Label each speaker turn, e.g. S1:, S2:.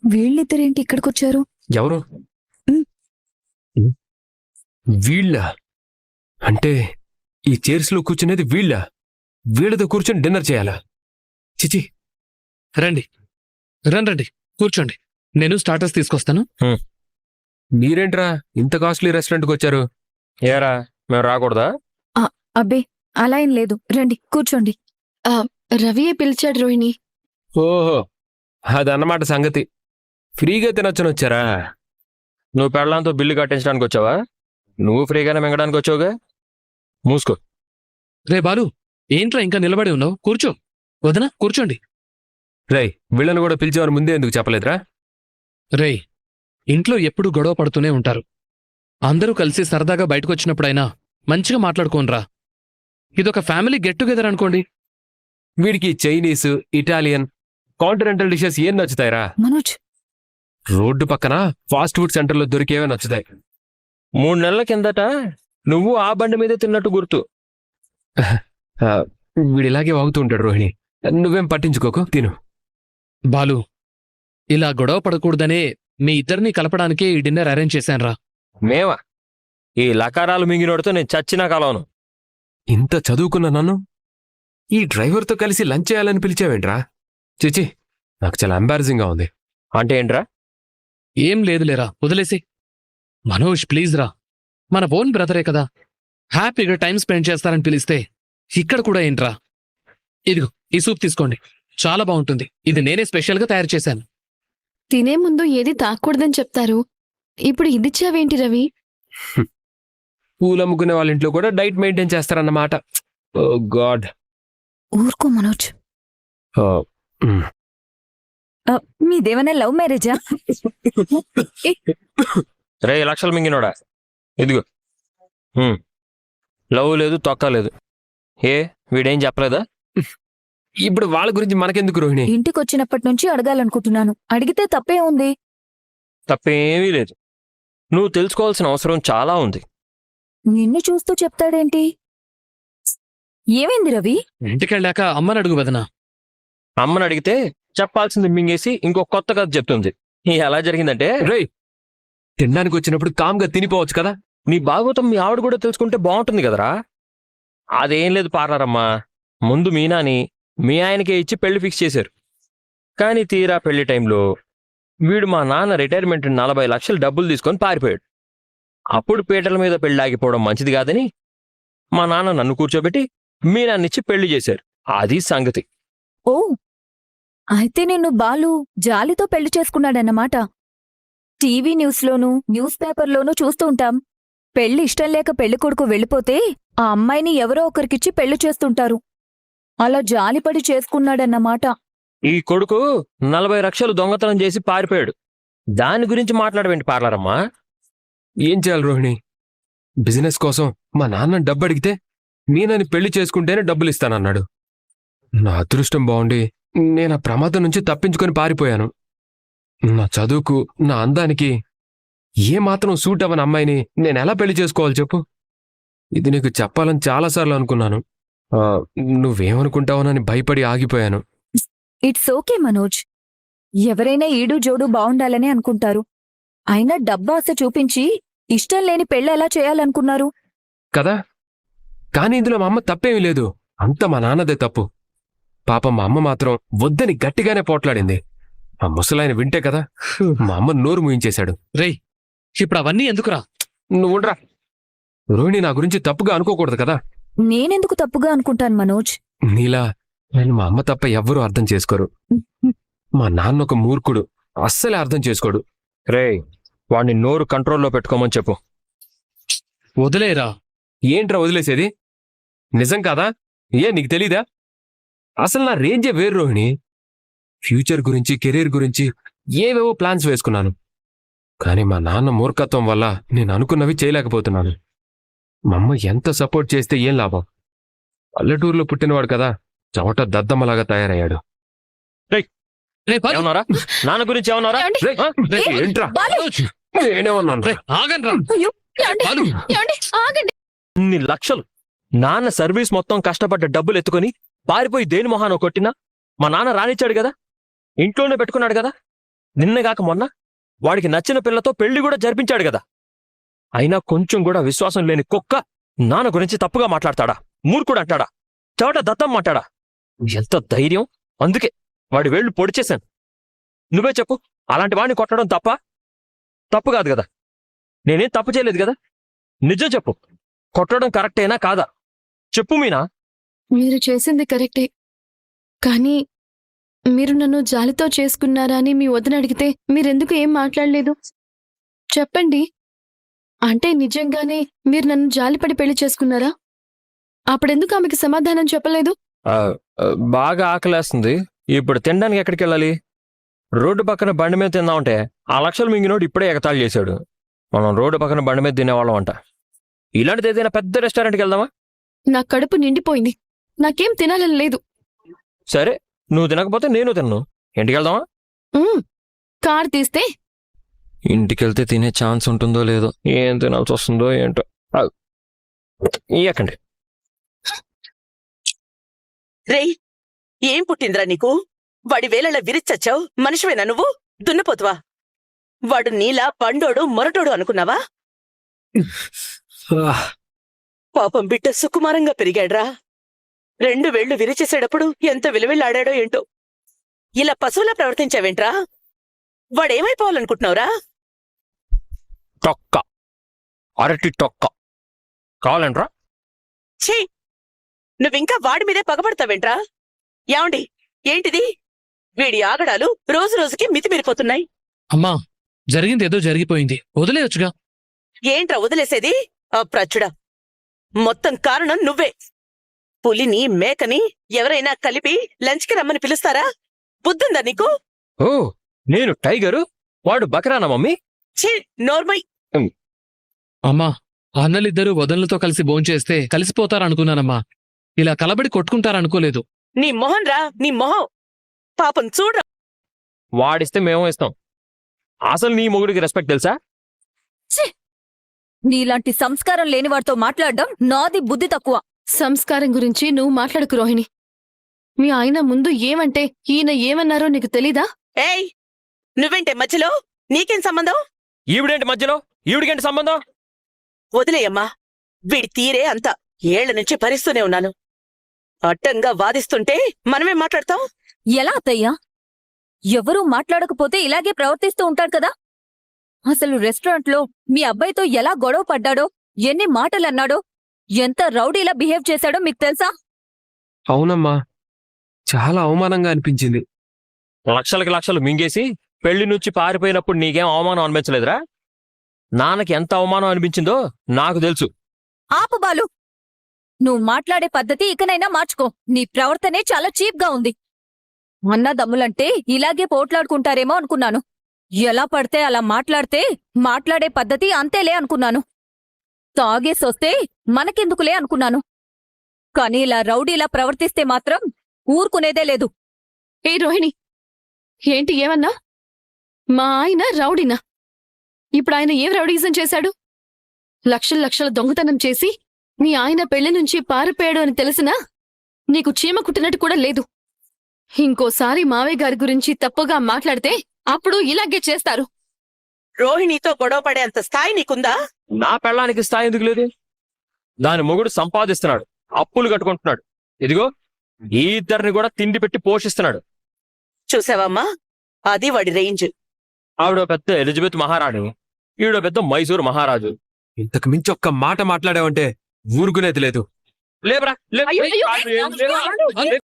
S1: వీళ్ళిద్దరేంటి ఇక్కడికొచ్చారు?
S2: ఎవరు?
S1: ఉమ్.
S2: వీళ్ళ అంటే ఈ చైర్స్ లో కూర్చునేది వీళ్ళ? వీళ్ళతో కూర్చొని డిన్నర్ చేయాలా? చిచి.
S3: రండి రండి కూర్చోండి. నేను స్టార్టర్స్ తీసుకొస్తాను.
S2: మీరేంట్రా ఇంత కాస్ట్లీ రెస్టారెంట్కి వచ్చారు?
S4: ఏరా మేము రాకూడదా?
S1: అబ్బే అలా ఏం లేదు, రండి కూర్చోండి.
S5: రవియే పిలిచాడు రోహిణి.
S2: ఓహో, అదన్నమాట సంగతి. ఫ్రీగా తినొచ్చని వచ్చారా?
S4: నువ్వు పెళ్ళంతో బిల్లు కట్టించడానికి వచ్చావా? నువ్వు ఫ్రీగానే మింగడానికి వచ్చావుగా. మూసుకో.
S3: రే బాలు, ఏంట్రా ఇంకా నిలబడి ఉన్నావు? కూర్చో. వదనా కూర్చోండి.
S2: రేయ్, వీళ్ళని కూడా పిలిచేవారు ముందే ఎందుకు చెప్పలేదురా?
S3: రేయ్, ఇంట్లో ఎప్పుడు గొడవ పడుతూనే ఉంటారు. అందరూ కలిసి సరదాగా బయటకొచ్చినప్పుడైనా మంచిగా మాట్లాడుకోనరా. ఇదొక ఫ్యామిలీ గెట్ టుగెదర్ అనుకోండి.
S2: వీడికి చైనీస్, ఇటాలియన్, కాంటినెంటల్ డిషెస్ ఏం నచ్చుతాయిరా?
S1: మనోజ్,
S2: రోడ్డు పక్కన ఫాస్ట్ ఫుడ్ సెంటర్లో దొరికేవే నచ్చుతాయి.
S4: 3 నెలల కిందట నువ్వు ఆ బండి మీదే తిన్నట్టు గుర్తు.
S2: వీడిలాగే వాగుతూ ఉంటాడు రోహిణి. నువ్వేం పట్టించుకోకు, తిను.
S3: బాలు, ఇలా గొడవ పడకూడదనే మీ ఇద్దరినీ కలపడానికే ఈ డిన్నర్ అరేంజ్ చేశాన్రా.
S4: మేమా? ఈ లకారాలు మింగినోడితో నేను చచ్చినా కలవను.
S2: ఇంత చదువుకున్న నన్ను ఈ డ్రైవర్తో కలిసి లంచ్ చేయాలని పిలిచావేంట్రా? చిచి, నాకు చాలా ఎంబారసింగ్గా ఉంది.
S4: అంటే ఏంట్రా?
S3: ఏం లేదులేరా, వదిలేసి. మనోజ్ ప్లీజ్ రా, మన ఓన్ బ్రదరే కదా, హ్యాపీగా టైం స్పెండ్ చేస్తారని పిలిస్తే ఇక్కడ కూడా ఏంట్రా? ఇదిగో ఈ సూప్ తీసుకోండి, చాలా బాగుంటుంది. ఇది నేనే స్పెషల్గా తయారు చేశాను.
S5: తినే ముందు ఏది తాకూడదని చెప్తారు, ఇప్పుడు ఇదిచ్చావేంటి రవి?
S2: పూలమ్ముకునే వాళ్ళ ఇంట్లో కూడా డైట్ మెయింటైన్ చేస్తారన్నమాట. Oh god.
S1: ఊరుకో మనోజ్. మీదేమైనా లవ్ మ్యారేజా?
S4: 2 లక్షలు మింగినోడా? ఇదిగో. లవ్ లేదు, తొక్క లేదు. ఏ వీడేం చెప్పలేదా?
S2: ఇప్పుడు వాళ్ళ గురించి మనకెందుకు రోహిణి?
S1: ఇంటికొచ్చినప్పటి నుంచి అడగాలనుకుంటున్నాను, అడిగితే తప్పే ఉంది.
S4: తప్పేమీ లేదు. నువ్వు తెలుసుకోవాల్సిన అవసరం చాలా ఉంది.
S1: నిన్ను చూస్తూ చెప్తాడేంటి? ఏమైంది రవి?
S3: ఇంటికెళ్ళాక అమ్మని అడుగు వదనా.
S4: అమ్మని అడిగితే చెప్పాల్సింది మింగేసి ఇంకో కొత్త కథ చెప్తుంది. ఎలా జరిగిందంటే,
S2: రేయ్, తినడానికి వచ్చినప్పుడు కామ్గా తినిపోవచ్చు కదా.
S4: నీ భాగవతం మీ ఆవిడ కూడా తెలుసుకుంటే బాగుంటుంది కదరా. అదేం లేదు పార్లరమ్మా, ముందు మీనాని మీ ఆయనకే ఇచ్చి పెళ్లి ఫిక్స్ చేశారు. కానీ తీరా పెళ్లి టైంలో వీడు మా నాన్న రిటైర్మెంట్ 40 లక్షలు డబ్బులు తీసుకొని పారిపోయాడు. అప్పుడు పీటల మీద పెళ్లి ఆగిపోవడం మంచిది కాదని మా నాన్న నన్ను కూర్చోబెట్టి మీనాన్నిచ్చి పెళ్లి చేశారు. అది సంగతి.
S1: ఓ, అయితే నిన్ను బాలు జాలితో పెళ్లి చేసుకున్నాడన్నమాట. టీవీ న్యూస్లోనూ న్యూస్ పేపర్లోనూ చూస్తూ ఉంటాం. పెళ్లి ఇష్టం లేక పెళ్లికొడుకు వెళ్ళిపోతే ఆ అమ్మాయిని ఎవరో ఒకరికిచ్చి పెళ్లి చేస్తుంటారు. అలా జాలిపడి చేసుకున్నాడన్నమాట.
S4: ఈ కొడుకు 40 లక్షలు దొంగతనం చేసి పారిపోయాడు. దాని గురించి మాట్లాడవేంటి పార్లరమ్మా?
S2: ఏం చేయాలి రోహిణి? బిజినెస్ కోసం మా నాన్న డబ్బు అడిగితే మీనని పెళ్లి చేసుకుంటేనే డబ్బులు ఇస్తానన్నాడు. నా అదృష్టం బాగుండి నేను ఆ ప్రమాదం నుంచి తప్పించుకొని పారిపోయాను. నా చదువుకు, నా అందానికి ఏమాత్రం సూట్ అవ్వని అమ్మాయిని నేనెలా పెళ్లి చేసుకోవాలి చెప్పు? ఇది నీకు చెప్పాలని చాలాసార్లు అనుకున్నాను. నువ్వేమనుకుంటావోనని భయపడి ఆగిపోయాను.
S1: It's okay Manoj. ఎవరైనా ఈడు జోడు బావుండాలనే అనుకుంటారు. అయినా డబ్బాస చూపించి ఇష్టం లేని పెళ్ళి ఎలా చేయాలనుకున్నారు
S2: కదా? కానీ ఇందులో మా అమ్మ తప్పేమీ లేదు, అంత మా నాన్నదే తప్పు. పాపం మా అమ్మ మాత్రం వద్దని గట్టిగానే పోట్లాడింది. ఆ ముసలాయన వింటే కదా మా అమ్మ నోరు మూయించేశాడు.
S3: రేయ్, ఇప్పుడు అవన్నీ ఎందుకురా?
S2: నువ్వుండ్రా. రోహిణి నా గురించి తప్పుగా అనుకోకూడదు కదా.
S1: నేనెందుకు తప్పుగా అనుకుంటాను మనోజ్?
S2: నీలా నేను మా అమ్మ తప్ప ఎవ్వరూ అర్థం చేసుకోరు. మా నాన్న ఒక మూర్ఖుడు, అస్సలే అర్థం చేసుకోడు.
S4: రేయ్, వాడిని నోరు కంట్రోల్లో పెట్టుకోమని చెప్పు.
S3: వదిలేరా.
S2: ఏంట్రా వదిలేసేది? నిజం కాదా? నీకు తెలీదా? అసలు నా రేంజే వేరు రోహిణి. ఫ్యూచర్ గురించి, కెరీర్ గురించి ఏవేవో ప్లాన్స్ వేసుకున్నాను. కానీ మా నాన్న మూర్ఖత్వం వల్ల నేను అనుకున్నవి చేయలేకపోతున్నాను. మా అమ్మ ఎంత సపోర్ట్ చేస్తే ఏం లాభం? పల్లెటూరులో పుట్టినవాడు కదా, చవట దద్దమ్మలాగా తయారయ్యాడు.
S3: రే బాలు,
S4: ఏమన్నారా? నాన్న గురించి ఏమన్నారా?
S2: రేయ్, రేయ్, ఏంట్రా? నేనేమన్నాను?
S3: రే, ఆగండ్రా. బాలు,
S4: ఇన్ని లక్షలు నాన్న సర్వీస్ మొత్తం కష్టపడ్డ డబ్బులు ఎత్తుకొని పారిపోయి దేని మొహానో కొట్టినా మా నాన్న రానిచ్చాడు కదా, ఇంట్లోనే పెట్టుకున్నాడు కదా. నిన్నగాక మొన్న వాడికి నచ్చిన పిల్లతో పెళ్లి కూడా జరిపించాడు కదా. అయినా కొంచెం కూడా విశ్వాసం లేని కుక్క నాన్న గురించి తప్పుగా మాట్లాడతాడా? మూర్ఖుడు అంటాడా? చోట దత్తం మాట్లాడా? ఎంత ధైర్యం! అందుకే వాడి వేళ్లు పొడిచేశాను. నువ్వే చెప్పు, అలాంటి వాడిని కొట్టడం తప్పు కాదు కదా? నేనేం తప్పు చేయలేదు కదా? నిజం చెప్పు, కొట్టడం కరెక్టేనా కాదా? చెప్పు మీనా.
S5: మీరు చేసింది కరెక్టే, కానీ మీరు నన్ను జాలితో చేసుకున్నారా అని మీ వదిన అడిగితే మీరెందుకు ఏం మాట్లాడలేదు? చెప్పండి. అంటే నిజంగానే మీరు నన్ను జాలిపడి పెళ్లి చేసుకున్నారా? అప్పుడెందుకు ఆమెకి సమాధానం చెప్పలేదు?
S4: బాగా ఆకలేస్తుంది. ఇప్పుడు తినడానికి ఎక్కడికి వెళ్ళాలి? రోడ్డు పక్కన బండి మీద తిందామంటే ఆ లక్షలు మింగినోడు ఇప్పుడే ఎగతాళి చేశాడు. మనం రోడ్డు పక్కన బండి మీద తినేవాళ్ళం అంట. ఇలాంటిది ఏదైనా పెద్ద రెస్టారెంట్కి వెళ్దామా?
S5: నా కడుపు నిండిపోయింది, నాకేం తినాలని లేదు.
S4: సరే, నువ్వు తినకపోతే నేను తిన్ను. ఇంటికి వెళ్దామా?
S5: కార్ తీస్తే
S4: ఇంటికెళ్తే తినే ఛాన్స్ ఉంటుందో లేదో, ఏం తినాల్సి వస్తుందో ఏంటో. ఎక్కండి.
S6: రేయ్, ఏం పుట్టిందిరా నీకు? వాడి వేళలా విరిచచ్చావు. మనిషివేనా నువ్వు? దున్నపోతువా? వాడు నీలా పండోడు మొరటోడు అనుకున్నావా? పాపం బిడ్డ సుకుమారంగా పెరిగాడ్రా. 2 వేళ్లు విరిచేసేటప్పుడు ఎంత విలువెళ్ళాడాడో ఏంటో. ఇలా పశువులా ప్రవర్తించావేంట్రా? వాడేమైపోవాలనుకుంటున్నావురా?
S4: తొక్క, అరటి తొక్క కావాలంట్రా?
S6: ఛీ, నువ్వింకా వాడి మీదే పగబడతావేంట్రా? ఏమండి, ఏంటిది? వీడి ఆగడాలు రోజు రోజుకి మితిమీరిపోతున్నాయి.
S3: అమ్మా, జరిగింది ఏదో జరిగిపోయింది, వదిలేయొచ్చుగా.
S6: ఏంట్రా వదిలేసేది? అప్రచుడా, మొత్తం కారణం నువ్వే. పులిని మేకని ఎవరైనా కలిపి లంచ్కి రమ్మని పిలుస్తారా? బుద్ధుందా నీకు?
S4: ఓ, నేను టైగరు, వాడు బకరానా మమ్మీ?
S6: ఛీ, నోర్మై.
S3: అమ్మా, అన్నలిద్దరూ వదనలతో కలిసి భోంచేస్తే కలిసిపోతారనుకున్నానమ్మా. ఇలా కలబడి కొట్టుకుంటారనుకోలేదు.
S6: నీ మొహం రా, నీ మొహం. పాపం చూడ్రా.
S4: వాడిస్తే మేము ఇస్తాం. అసలు నీ మొగుడికి రెస్పెక్ట్ తెలుసా?
S1: నీలాంటి సంస్కారం లేనివాడితో మాట్లాడడం నాది బుద్ధి తక్కువ.
S5: సంస్కారం గురించి నువ్వు మాట్లాడుకు రోహిణి. మీ ఆయన ముందు ఏమంటే ఈయన ఏమన్నారో నీకు తెలీదా?
S6: ఏయ్, నువ్వేంటే మధ్యలో? నీకేం సంబంధం?
S4: ఈవిడేంటి మధ్యలో? ఈవిడికేంటి సంబంధం?
S6: వదిలేయమ్మా, వీడి తీరే అంత. ఏళ్ల నుంచి భరిస్తూనే ఉన్నాను. అడ్డంగా వాదిస్తుంటే మనమే మాట్లాడతాం.
S1: ఎలా అత్తయ్యా? ఎవరూ మాట్లాడకపోతే ఇలాగే ప్రవర్తిస్తూ ఉంటాడు కదా. అసలు రెస్టారెంట్లో మీ అబ్బాయితో ఎలా గొడవ పడ్డాడో, ఎన్ని మాటలన్నాడో, ఎంత రౌడీలా బిహేవ్ చేశాడో మీకు తెలుసా?
S2: అవునమ్మా, చాలా అవమానంగా అనిపించింది.
S4: లక్షలకి లక్షలు మింగేసి పెళ్లి నుంచి పారిపోయినప్పుడు నీకేం అవమానం అనిపించలేదురా? నాన్నకి ఎంత అవమానం అనిపించిందో నాకు తెలుసు.
S1: ఆపు బాలు, నువ్వు మాట్లాడే పద్ధతి ఇకనైనా మార్చుకో. నీ ప్రవర్తనే చాలా చీప్గా ఉంది. అన్నదమ్ములంటే ఇలాగే పోట్లాడుకుంటారేమో అనుకున్నాను. ఎలా పడితే అలా మాట్లాడితే మాట్లాడే పద్ధతి అంతేలే అనుకున్నాను. తాగేసొస్తే మనకెందుకులే అనుకున్నాను. కాని ఇలా రౌడీలా ప్రవర్తిస్తే మాత్రం ఊరుకునేదే లేదు.
S5: ఏ రోహిణి, ఏంటి ఏమన్నా? మా ఆయన రౌడీనా? ఇప్పుడు ఆయన ఏం రౌడీజం చేశాడు? లక్షల దొంగతనం చేసి మీ ఆయన పెళ్లి నుంచి పారిపోయాడు అని తెలిసినా నీకు చీమ కుట్టినట్టు కూడా లేదు. ఇంకోసారి మావయ్య గారి గురించి తప్పుగా మాట్లాడితే అప్పుడు ఇలాగే చేస్తారు.
S6: రోహిణితో గొడవ పడేంత స్థాయి నీకుందా?
S4: నా పెళ్ళానికి స్థాయి ఎందుకు లేదు? దాని మొగుడు సంపాదిస్తున్నాడు, అప్పులు కట్టుకుంటున్నాడు. ఇదిగో ఈ ఇద్దరిని కూడా తిండి పెట్టి పోషిస్తున్నాడు.
S6: చూసావమ్మా, అది వాడి రేంజ్.
S4: ఆవిడ పెద్ద ఎలిజబెత్ మహారాణి, ఈవిడ పెద్ద మైసూరు మహారాజు.
S2: ఇంతకు మించి ఒక్క మాట మాట్లాడావంటే ఊరుకునేది లేదు.
S4: లేబరా,
S6: అయ్యో, అయ్యో,